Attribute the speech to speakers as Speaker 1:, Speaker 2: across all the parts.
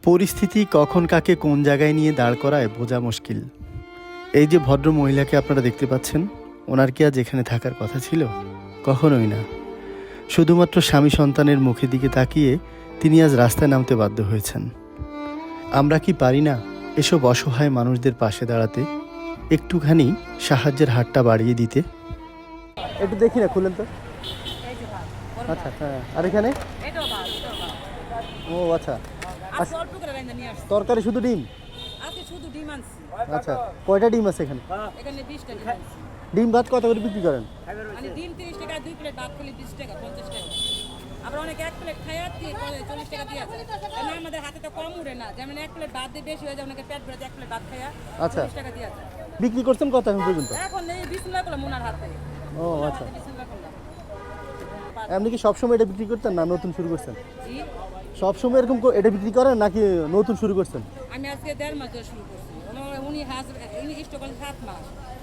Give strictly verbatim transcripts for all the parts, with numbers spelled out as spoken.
Speaker 1: পরিস্থিতি কখন কাকে কোন জায়গায় নিয়ে দাঁড় করায় বোঝা মুশকিল। এই যে ভদ্র মহিলাকে আপনারা দেখতে পাচ্ছেন, ওনার কি আজ এখানে থাকার কথা ছিল? কখনোই না। শুধুমাত্র স্বামী সন্তানের মুখের দিকে তাকিয়ে তিনি আজ রাস্তায় নামতে বাধ্য হয়েছেন। আমরা কি পারি না এসব অসহায় মানুষদের পাশে দাঁড়াতে, একটুখানি সাহায্যের হাতটা বাড়িয়ে দিতে? একটু দেখি না, খুলেন তো। আচ্ছা, হ্যাঁ। আর এখানে ও আচ্ছা, তরকারি শুধু ডিম? আচ্ছা, কয়টা ডিম আছে এখানে? ডিম ভাত কত করে বিক্রি করেন?
Speaker 2: ডিম তিরিশ টাকা, দুই প্লেট ভাত খেলে বিশ টাকা, পঞ্চাশ টাকা। আবার অনেকে এক প্লেট খায় চল্লিশ টাকা দিয়ে আছে। আমাদের হাতে তো কম উঠে না, যেমন এক প্লেট ভাত দিয়ে বেশি হয়ে যায়, অনেকে পেট ভরে এক প্লেট ভাত খায় চল্লিশ টাকা দিয়ে আছে।
Speaker 1: বিক্রি করছেন কত এখন পর্যন্ত?
Speaker 2: এখন এই বিসমিল্লাহ করলাম ওনার হাতে।
Speaker 1: ও আচ্ছা, আপনি কি সবসময় এটা বিক্রি করতেন না নতুন শুরু করছেন? সবসময় এরকম এটা বিক্রি করেন নাকি নতুন শুরু করছেন?
Speaker 2: আমি আজকে দেড় মাস ধরে শুরু করছি। উনি উনি স্টক করেন সাত মাস।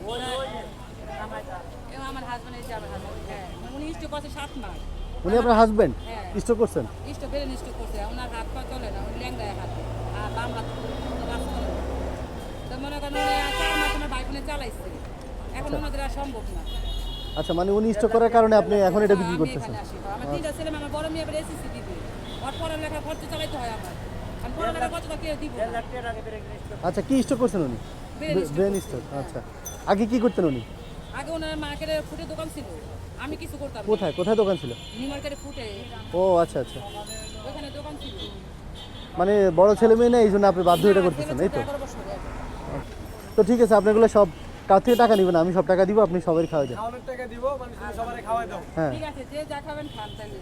Speaker 2: আমার হাজবেন্ড এই যে আমার হাজবেন্ড, হ্যাঁ, উনি স্টক করছে সাত মাস।
Speaker 1: উনি আপনার হাজবেন্ড? স্টক করছেন?
Speaker 2: স্টক বেরেন স্টক করছে। ওনার হাত পা চলে না, উনি ল্যাংদায় হাত, আর বাম হাত কাজ করে। তো মনে করেন চার মাস আমার ভাই বোনে চালাইছে, এখন ওনাদের আর সম্ভব না।
Speaker 1: আচ্ছা, মানে উনি স্টক করার কারণে আপনি এখন এটা বিক্রি করতেছেন?
Speaker 2: আমার তিনটা ছেলে, আমার বড় মেয়ে এবার এসএসসি দিবে, ওর পড়ালেখা খরচ চালাইতে হয় আমার। আমি পড়ালেখা খরচটা কে দিব?
Speaker 1: আচ্ছা, কি স্টক করছেন উনি? Brain stroke. আচ্ছা, আগে কি করতেন উনি?
Speaker 2: আগে ওনার মার্কেটে ফুটে দোকান ছিল, আমি কিছু করতাম।
Speaker 1: কোথায় কোথায় দোকান ছিল?
Speaker 2: নিউ মার্কেটে ফুটে।
Speaker 1: ও আচ্ছা আচ্ছা,
Speaker 2: ওখানে দোকান ছিল।
Speaker 1: মানে বড় ছেলে মেয়ে না, এই জন্য আপনি বাধ্য এটা করতেছেন, এই তো? তো ঠিক আছে, আপনাগুলো সব কার থেকে টাকা নিবেন? আমি সব টাকা দিব, আপনি সবাই খাওয়াই দেন।
Speaker 3: খাওয়ানোর টাকা দিব, মানে তুমি সবারে খাওয়াই দাও।
Speaker 1: হ্যাঁ,
Speaker 2: ঠিক আছে, যে যা খাবেন খান তাহলে।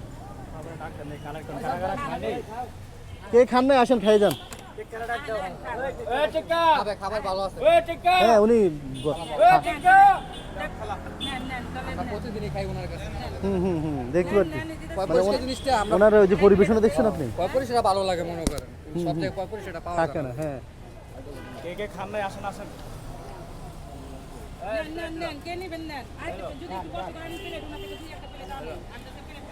Speaker 1: কে খান না, আসেন খাই যান।
Speaker 3: খাবার ভালো আছে।
Speaker 1: হ্যাঁ, উনি
Speaker 3: প্রতিদিনই খাই ওনার কাছে।
Speaker 1: হুম হুম হুম দেখতে পাচ্ছি।
Speaker 3: পয়পরিষ্কার জিনিসটা আমরা
Speaker 1: ওনার ওই যে পরিবেশনা দেখছেন আপনি?
Speaker 3: পয়পরিষ্কার ভালো লাগে মনে করেন। সব থেকে পয়পরিষ্কারটা পাওয়া
Speaker 1: থাকে
Speaker 3: যায়
Speaker 1: না। হ্যাঁ,
Speaker 4: কে কে খান নাই আসেন আসেন।
Speaker 2: নেন নেন নেন, কে নেবেন নেন। আর যদি একটু কষ্ট করে আমি প্লেট ওনাকে দুই একটা প্লেট দাও। আর একটা plate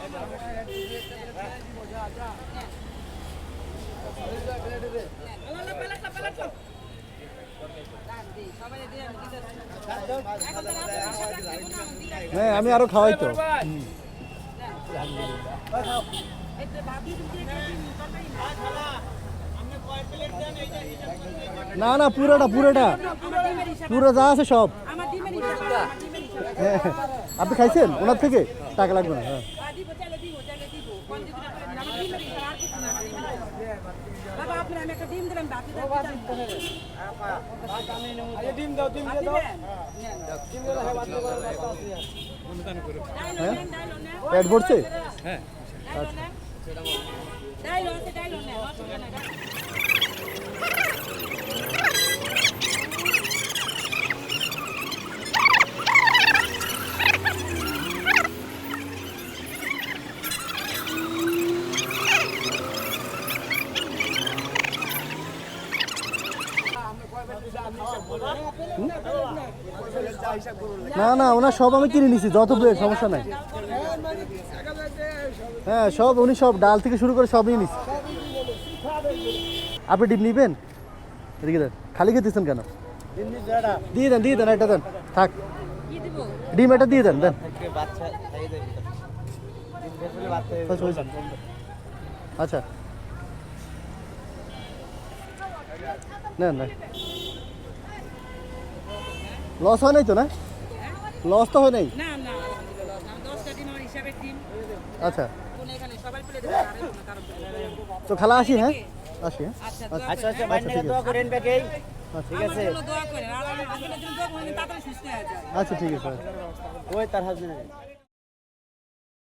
Speaker 2: Allah Allah plate plate দাও। দাম দি সবাই দিয়ে আমি দিতেছি। এখন তো রাতে
Speaker 1: হ্যাঁ, আমি আরো খাওয়াই তো। না না, পুরোটা পুরোটা পুরো যা আছে সব।
Speaker 2: আমার ডিমের হিসাব, আমার ডিমের হিসাব।
Speaker 1: হ্যাঁ, আপনি খাইছেন ওনার থেকে? টাকা লাগবে না। হ্যাঁ,
Speaker 2: আর দিব চাইলে দিব, চাইলে দিব। কোন দিকে করে আমার ডিমের হিসাব, আর কিছু না, আমার ডিমের হিসাব। বাবা আপনি আমি একটা ডিম দিলাম, বাকি দাও।
Speaker 4: আরে ডিম দাও, ডিম দিয়ে দাও। ডিম দিলে হয় বাচ্চা করে বাচ্চা আছে।
Speaker 1: হ্যাঁ, পেট ভরছে?
Speaker 3: হ্যাঁ,
Speaker 2: ডাইলো আছে, ডাইলো না, অসুবিধা নাই।
Speaker 1: না না, ওনার সব আমি কিনে নিছি, যত প্লেট সমস্যা নাই। হ্যাঁ, সব উনি সব ডাল থেকে শুরু করে সবই নিছি। আপনি ডিম নিবেন? এদিকে দেন। খালি খেতেছেন কেন? দিয়ে দেন, দিয়ে দেন, এটা দেন, থাক।
Speaker 2: কি দিব?
Speaker 1: ডিম এটা দিয়ে দেন, দেন।
Speaker 4: বাচ্চা খাইয়ে দেবে। ডিম বেশি বাচ্চা
Speaker 1: আচ্ছা, হয়েছে। আচ্ছা, নেন নেন। লস হয় নাই তো? না, লস তো হয় নাই।
Speaker 2: না না, আলহামদুলিল্লাহ আমি দশটা ডিম আমার হিসাবের ডিম।
Speaker 1: আচ্ছা,
Speaker 2: কোন এখানে সবাই প্লেট দেবে, আর কোনো কারণ নেই।
Speaker 1: তো খালা আসি। হ্যাঁ, আসি। হ্যাঁ,
Speaker 2: আচ্ছা
Speaker 4: আচ্ছা আচ্ছা, মাইন্ড দোয়া করেন বেকেই।
Speaker 2: ঠিক আছে, দোয়া করেন আর আমি আপনাদের জন্য দোয়া করেন, তাড়াতাড়ি সুস্থ হয়ে যায়।
Speaker 1: আচ্ছা ঠিক আছে।
Speaker 4: ওই তার হাজবেন্ড